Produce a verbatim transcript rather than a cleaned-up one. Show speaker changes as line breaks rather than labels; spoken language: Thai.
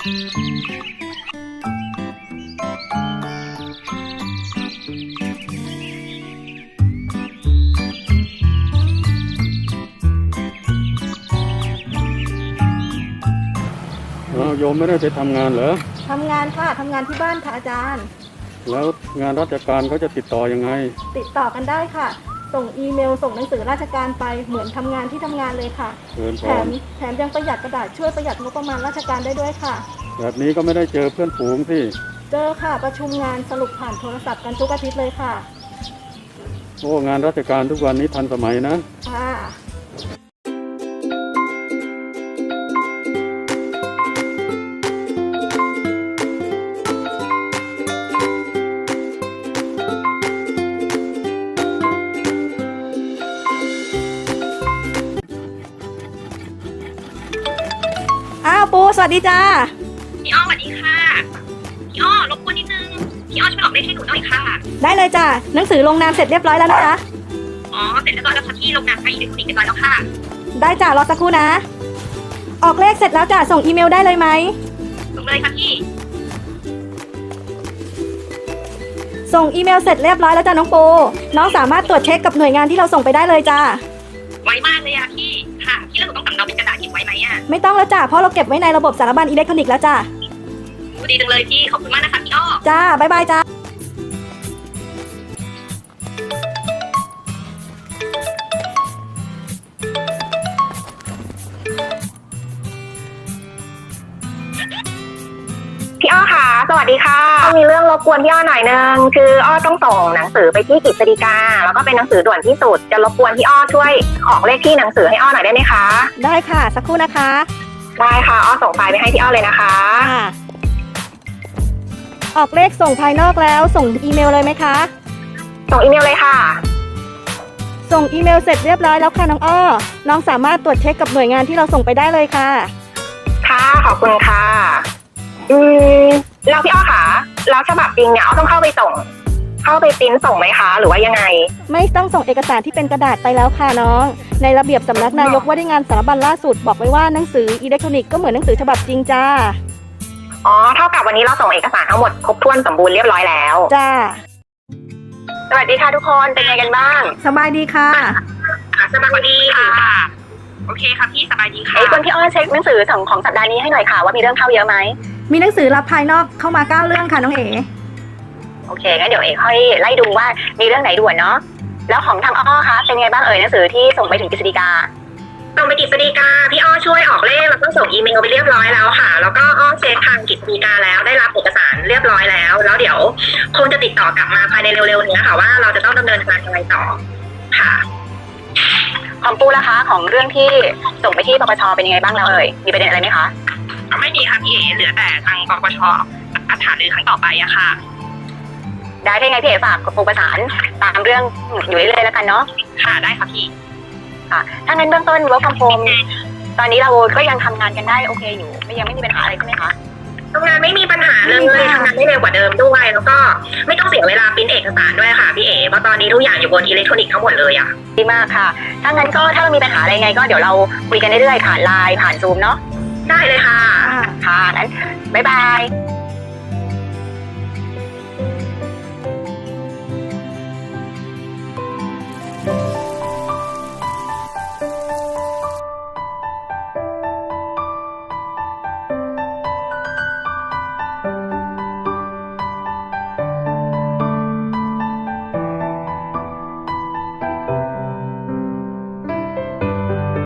โยมไม่ได้ไปทำงานเหรอ
ทำงานค่ะทำงานที่บ้านค่ะอาจารย์
แล้วงานราชการเขาจะติดต่อยังไง
ติดต่อกันได้ค่ะส่งอีเมลส่งหนังสือราชการไปเหมือนทำงานที่ทำงานเลยค่ะแถมแถมยังประหยัดกระดาษช่วยประหยัดงบประมาณราชการได้ด้วยค่ะ
แบบนี้ก็ไม่ได้เจอเพื่อนฝูงสิ
เจอค่ะประชุมงานสรุปผ่านโทรศัพท์กันทุกอาทิตย์เลยค่ะ
โอ้งานราชการทุกวันนี้ทันสมัยนะ
ค่ะอ้าวปูสวัสดีจ้า
พี่อ้อสวัสดีค่ะพี่อ้อรบกวนนิดนึงพี่อ้อช่วยออกเลขให้หนูหน่อยค่ะ
ได้เลยจ้าหนังสือลงนามเสร็จเรียบร้อยแล้วนะคะ
อ๋อเสร็จเรียบร้อยแล้วค่ะพี่ลงนามไปอีกเรียบร้อยแล้วค่ะ
ได้จ้ารอสักครู่นะออกเลขเสร็จแล้วจ้าส่งอีเมลได้เลยไหม
ส่งเลยค่ะพี่
ส่งอีเมลเสร็จเรียบร้อยแล้วจ้าน้องปูน้องสามารถตรวจเช็คกับหน่วยงานที่เราส่งไปได้เลยจ้า
ไวมากเลยอะพี่ค่ะพี่แล้วหนูต้องสำเนาเป็นกระดาษเก็บไว้ไหมอะ
ไม่ต้องแล้วจ้าเพราะเราเก็บไว้ในระบบสารบัญอิเล็กทรอนิกส์แล้วจ้า
ดีจังเลยพี่ขอบคุณมากนะคะพี่อ้อ
จ้าบ๊ายบายจ้า
พี่อ้อค่ะสวัสดีค่ะมีเรื่องรบกวนพี่อ้อหน่อยนึงคืออ้อต้องส่งหนังสือไปที่กฤษฎีกาแล้วก็เป็นหนังสือด่วนที่สุดจะรบกวนพี่อ้อช่วยออกเลขที่หนังสือให้อ้อหน่อยได้ไหมคะ
ได้ค่ะสักครู่นะคะ
ได้ค่ะอ้อส่งไฟล์ไปให้พี่อ้อเลยนะคะ
ออกเลขส่งภายนอกแล้วส่งอีเมลเลยไหมคะ
ส่งอีเมลเลยค่ะ
ส่งอีเมลเสร็จเรียบร้อยแล้วค่ะน้องอ้อน้องสามารถตรวจเช็คกับหน่วยงานที่เราส่งไปได้เลยค่ะ
ค่ะขอบคุณค่ะอืมแล้วพี่อ้อค่ะแล้วฉบับจริงเนี่ยอ้อต้องเข้าไปส่งเข้าไปปริ้นส่งไหมคะหรือว่ายังไง
ไม่ต้องส่งเอกสารที่เป็นกระดาษไปแล้วค่ะน้องในระเบียบสำนักนายกว่าด้วยงานสารบัญล่าสุดบอกไว้ว่าหนังสืออิเล็กทรอนิกส์ก็เหมือนหนังสือฉบับจริงจ้า
อ๋อเท่ากับวันนี้เราส่งเอกสารทั้งหมดครบถ้วนสมบูรณ์เรียบร้อยแล้ว
จ้า
สวัสดีค่ะทุกคนเป็นไงกันบ้าง
สบายดีค่ะ
สบายดีค่ะโอเคค่ะพี่สบายดีค่ะ
ไอ้คนพี่อ้อเช็คหนังสือของของสัปดาห์นี้ให้หน่อยค่ะว่ามีเรื่องเข้าเยอะไหม
มีหนังสือรับภายนอกเข้ามาเก้าเรื่องค่ะน้องเอ๋
โอเคงั้นเดี๋ยวเอ๋ค่อยไล่ดูว่ามีเรื่องไหนด่วนเนาะแล้วของทางอ้อคะเป็นไงบ้างเอ่ยหนังสือที่ส่งไปถึงกฤษฎีกา
ส่งไปกฤษฎีกาพี่อ้อช่วยออกเลขแล้วก็ส่งอีเมลไปเรียบร้อยแล้วค่ะแล้วก็อ้อเช็คทางกฤษฎีกาแล้วได้รับเอกสารเรียบร้อยแล้วแล้วเดี๋ยวคงจะติดต่อกลับมาภายในเร็วๆนี้ค่ะว่าเราจะต้องดำเนินการยังไงต่อค่ะ
ของปูล่ะคะของเรื่องที่ส่งไปที่ปปชเป็นยังไงบ้างแล้วเอ่ยมีประเด็นอะไรไหมคะ
ไม่มีค่ะพี่เอ๋เหลือแต่ทางปปชอัฐานหรือครั้งต่อไปอะค่ะ
ได้ได้ไงพี่เอ๋ฝากปูประสานตามเรื่องอยู่เรื่อยๆแล้วกันเนาะ
ค่ะได้ค่ะพี่
ค่ะถ้างั้นเบื้องต้น work from home ตอนนี้เราก็ยังทำงานกันได้โอเคอยู่ไม่ยังไม่มีปัญหาอะไรใช่ไหมคะ
ทำงานไม่มีปัญหาเลยทำงานได้เร็วกว่าเดิมด้วยแล้วก็ไม่ต้องเสียเวลาปริ้นเอกสารด้วยค่ะพี่เอ๋เพราะตอนนี้ทุกอย่างอยู่บนอิเล็กทรอนิกส์ทั้งหมดเลยอะ
ดีมากค่ะถ้างั้นก็ถ้ามีปัญหาอะไรไงก็เดี๋ยวเราคุยกันเรื่อยๆผ่านไลน์ผ่านซูมเนาะ
ได้เลยค่ะ
ค่ะนั้นบ๊ายบาย